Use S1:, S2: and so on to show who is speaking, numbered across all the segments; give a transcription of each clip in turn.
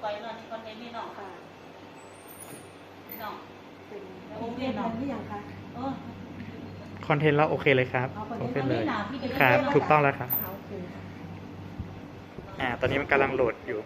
S1: ไปเนาะนี่คอนเทนต์นี่เนาะค่ะเนาะ
S2: โอเคเนาะนี่อย่างคะ
S3: คอนเทนต์เราโอเคเลยครับโอเคเลยครับถูกต้องแล้วครับตอนนี้มันกำลังโหลดอยู่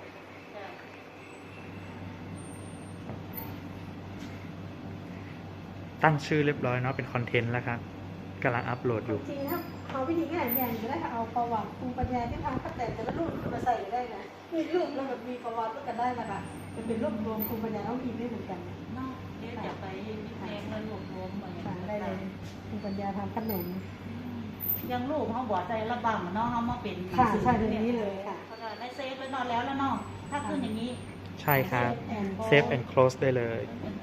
S3: ตั้งชื่อเรียบร้อยเนาะเป็นคอนเทนต์แล้วครับกำลังอัปโหลดอยู่
S2: จริงครับเอาวิธีง่ายๆก็ได้ค่ะเอาประวัติภูมิปัญญาที่ทางพัฒนาแต่ละรูปมาใส่ได้นะมีรูปแล้วแบบมีประวัติกันได้นะคะมันเป็นรูปรวมภูมิปัญญาท้องถิ่นได้เหมือนกัน
S1: เนาะเดี๋ยวจะไปพิเศษแล้วรวบรวมมาอย่าง
S2: ได้เลยภูมิปัญญาทางขนม
S1: ยังรูปเขาบอกใจระบำเนาะเขามาเป็น
S2: ค่ะใช่แบบนี้เลยค่ะ
S1: ในเซฟแล้วนอนแล้วเนาะถ้าขึ้นอย่างนี้
S3: ใช่ครับเซฟ and close ได้เลย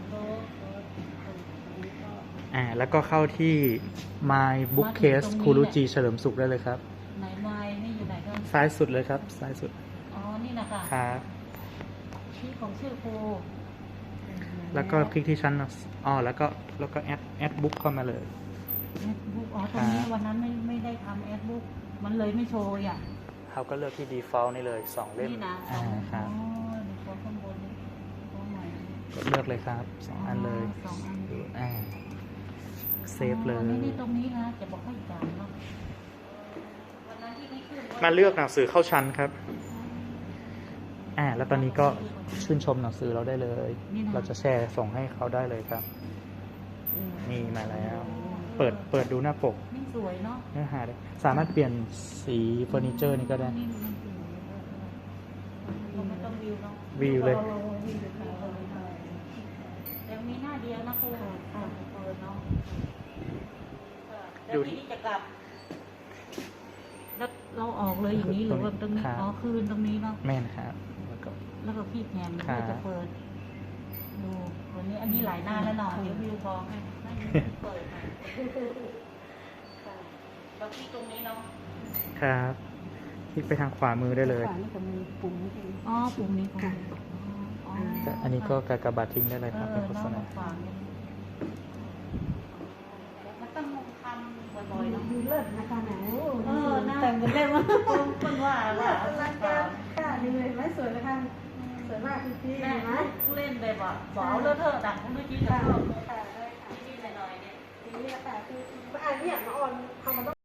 S3: แล้วก็เข้าที่ My Bookcase ครูรุจีเฉลิมสุขได้เลยครับ
S1: ไหนไม้นี่อยู่ไหนก็
S3: ซ้ายสุดเลยครับซ้ายสุด
S1: อ๋อนี่นะคะ
S3: ครับ
S1: ที่ของชื่อครู
S3: แล้วก็คลิกที่ชั้นแล้วก็แอดบุ๊กเข้ามาเลย
S1: แอดบุ๊กตรงนี้วันนั้นไม่ได้ทำแอดบุ๊กมันเลยไม่โชว์อ่ะ
S3: เขาก็เลือกที่ default นี่เลย2เล่ม
S1: นี่นะครับตัวข้างบนตัวใหม่
S3: ก็เลือกเลยครับ2อันเลย
S1: 2อัน
S3: เซฟเลย
S1: นี่ตรงนี้นะจะบอกให้จานเนาะ
S3: มาเลือกหนังสือเข้าชั้นครับแล้วตอนนี้ก็ชื่นชมหนังสือเราได้เลยเราจะแชร์ส่งให้เขาได้เลยครับนี่มาแล้วเปิดดูหน้าปก
S1: นี่สวยเนาะ
S3: เนื้อหาได้สามารถเปลี่ยนสีเฟอร์นิเจอร์นี่ก็ได้
S1: ไม่ต้องวิวเนาะ
S3: วิวเลย
S1: ยังมีหน้าเดียวนะครูเนาะแล้วที่จะกลับแล้วเราออกเลยอย่างนี้หรือว่าตรงนี้คืนตรงนี้เนาะ
S3: แม่นครับ
S1: แล้วก็พี่แพนก็จะเปิดดูวันนี้อันนี้หลายหน้าแล้วเนาะเดี๋ยววิวพอให้เปิดค่ะแล้วที่ตรงนี้เนาะ
S3: ครับคลิกไปทางขวามือได้เลย
S2: ขวานี่จะมีปุ่มนี้
S1: ปุ่มนี้ค่ะ
S3: อันนี้ก็กากบาททิ้งได้เลยครับเป็นโฆษณา
S1: ต้องทำบ่อยๆเนาะ
S2: ดูเลิศนะคะหน
S1: แต่งกันเล่นว่าคนว่า
S2: รักกันค่ะดีเลยไม่สวยนะคะสวยมากจริงๆนะ
S1: เล่นแบบว่าเอาเลอะเทอะดังเมื่อกี้จะเพิ่มนิดหน่อยเนี่ย
S2: นี่แหละค่ะคืออ่านเนี่ยมาออนทำมัน